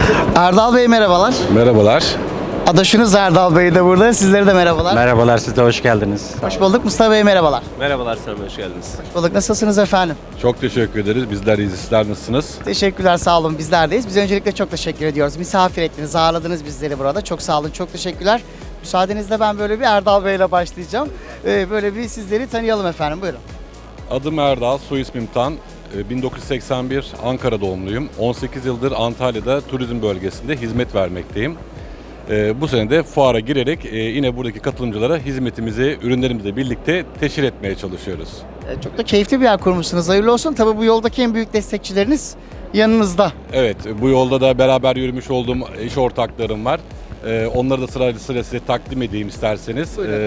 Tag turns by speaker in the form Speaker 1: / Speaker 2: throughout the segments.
Speaker 1: Erdal Bey merhabalar.
Speaker 2: Merhabalar.
Speaker 1: Adaşınız Erdal Bey de burada. Sizlere de merhabalar.
Speaker 3: Merhabalar, siz de hoş geldiniz.
Speaker 1: Hoş bulduk. Mustafa Bey merhabalar.
Speaker 4: Merhabalar Sami, hoş geldiniz.
Speaker 1: Hoş bulduk. Nasılsınız efendim?
Speaker 2: Çok teşekkür ederiz. Bizler iyiyiz. Sizler nasılsınız?
Speaker 1: Teşekkürler, sağ olun. Bizlerdeyiz. Biz öncelikle çok teşekkür ediyoruz. Misafir ettiniz, ağırladınız bizleri burada. Çok sağ olun, çok teşekkürler. Müsaadenizle ben böyle bir Erdal Bey'le başlayacağım. Böyle bir sizleri tanıyalım efendim. Buyurun.
Speaker 2: Adım Erdal, soy ismim Tan. 1981 Ankara doğumluyum. 18 yıldır Antalya'da turizm bölgesinde hizmet vermekteyim. Bu sene de fuara girerek yine buradaki katılımcılara hizmetimizi, ürünlerimizle birlikte teşhir etmeye çalışıyoruz.
Speaker 1: Çok da keyifli bir yer kurmuşsunuz. Hayırlı olsun. Tabii bu yoldaki en büyük destekçileriniz yanınızda.
Speaker 2: Evet, bu yolda da beraber yürümüş olduğum iş ortaklarım var. Onları da sırayla size takdim edeyim isterseniz.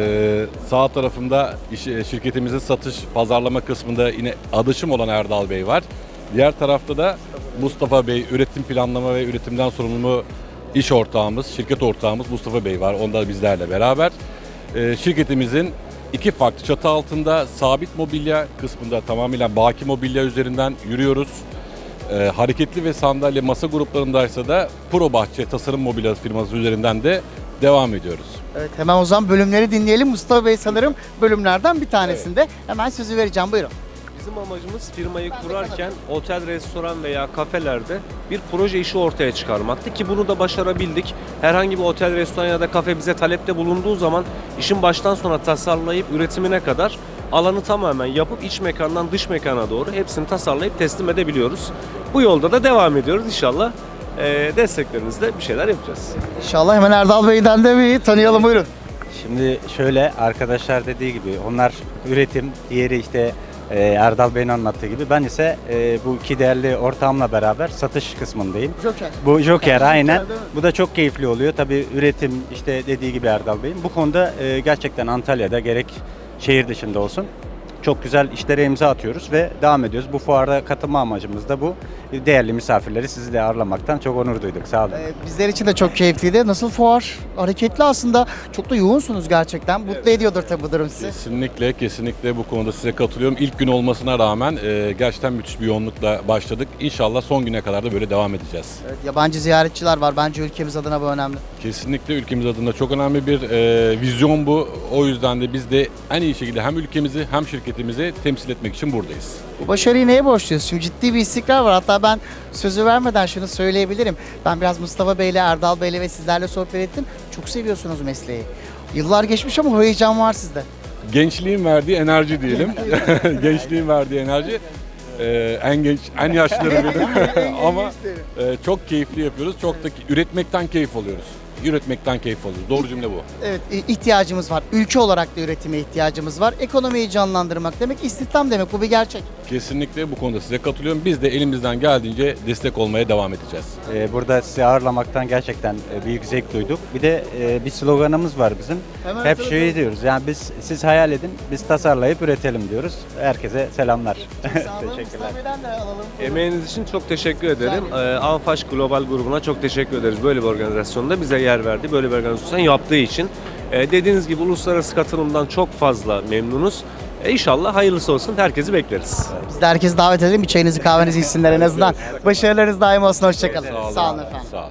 Speaker 2: Sağ tarafımda şirketimizin satış, pazarlama kısmında yine adaşım olan Erdal Bey var. Diğer tarafta da Mustafa Bey, üretim planlama ve üretimden sorumlu iş ortağımız, şirket ortağımız Mustafa Bey var. Onda da bizlerle beraber. Şirketimizin iki farklı çatı altında sabit mobilya kısmında tamamıyla baki mobilya üzerinden yürüyoruz. Hareketli ve sandalye masa gruplarındaysa da Pro Bahçe Tasarım Mobilya firması üzerinden de devam ediyoruz.
Speaker 1: Evet, hemen o zaman bölümleri dinleyelim. Mustafa Bey sanırım bölümlerden bir tanesinde. Evet. Hemen sözü vereceğim. Buyurun.
Speaker 4: Bizim amacımız firmayı kurarken otel, restoran veya kafelerde bir proje işi ortaya çıkarmaktı ki bunu da başarabildik. Herhangi bir otel, restoran ya da kafe bize talepte bulunduğu zaman işin baştan sona tasarlayıp üretimine kadar alanı tamamen yapıp iç mekandan dış mekana doğru hepsini tasarlayıp teslim edebiliyoruz. Bu yolda da devam ediyoruz inşallah. Desteklerinizle bir şeyler yapacağız.
Speaker 1: İnşallah hemen Erdal Bey'den de bir tanıyalım. Buyurun.
Speaker 3: Şimdi şöyle, arkadaşlar dediği gibi onlar üretim, diğeri işte Erdal Bey'in anlattığı gibi. Ben ise bu iki değerli ortağımla beraber satış kısmındayım.
Speaker 1: Joker.
Speaker 3: Bu Joker aynen.
Speaker 1: değil mi?
Speaker 3: Bu da çok keyifli oluyor. Tabii üretim işte dediği gibi Erdal Bey'in. Bu konuda gerçekten Antalya'da gerek şehir dışında olsun çok güzel işlere imza atıyoruz ve devam ediyoruz. Bu fuarda katılma amacımız da bu. Değerli misafirleri sizi de ağırlamaktan çok onur duyduk. Sağ olun.
Speaker 1: Bizler için de çok keyifliydi. Nasıl fuar? Hareketli aslında. Çok da yoğunsunuz gerçekten. Mutlu ediyordur tabii bu durum sizi.
Speaker 2: Kesinlikle bu konuda size katılıyorum. İlk gün olmasına rağmen gerçekten müthiş bir yoğunlukla başladık. İnşallah son güne kadar da böyle devam edeceğiz.
Speaker 1: Evet, yabancı ziyaretçiler var. Bence ülkemiz adına bu önemli.
Speaker 2: Kesinlikle ülkemiz adına çok önemli bir vizyon bu. O yüzden de biz de en iyi şekilde hem ülkemizi hem şirketimizi temsil etmek için buradayız.
Speaker 1: Bu başarıyı neye borçluyuz? Şimdi ciddi bir istikrar var. Hatta ben sözü vermeden şunu söyleyebilirim. Ben biraz Mustafa Bey'le, Erdal Bey'le ve sizlerle sohbet ettim. Çok seviyorsunuz mesleği. Yıllar geçmiş ama o heyecan var sizde.
Speaker 2: Gençliğin verdiği enerji diyelim. Gençliğin verdiği enerji. En genç, en yaşlıları benim. Ama çok keyifli yapıyoruz. Çok da üretmekten keyif alıyoruz. Üretmekten keyif alıyoruz. Doğru cümle bu.
Speaker 1: Evet, ihtiyacımız var. Ülke olarak da üretime ihtiyacımız var. Ekonomiyi canlandırmak demek, istihdam demek. Bu bir gerçek.
Speaker 2: Kesinlikle bu konuda size katılıyorum. Biz de elimizden geldiğince destek olmaya devam edeceğiz.
Speaker 3: Burada sizi ağırlamaktan gerçekten büyük zevk duyduk. Bir de bir sloganımız var bizim.
Speaker 1: Hemen
Speaker 3: Hep
Speaker 1: söyle.
Speaker 3: şey diyoruz. Yani siz hayal edin, biz tasarlayıp üretelim diyoruz. Herkese selamlar.
Speaker 1: Sağ olun.
Speaker 3: Teşekkürler.
Speaker 1: Mustafa Bey'den de alalım.
Speaker 4: Emeğiniz için çok teşekkür ederim. Anfaş Global grubuna çok teşekkür ederiz. Böyle bir organizasyonda bize yer verdi. Böyle bir organizasyon yaptığı için. Dediğiniz gibi uluslararası katılımdan çok fazla memnunuz. İnşallah hayırlısı olsun. Herkesi bekleriz.
Speaker 1: Biz de herkesi davet edelim. Bir çayınızı kahvenizi içsinler en azından. Başarılarınız daim olsun. Hoşçakalın. Sağ olun efendim.
Speaker 2: Sağ olun.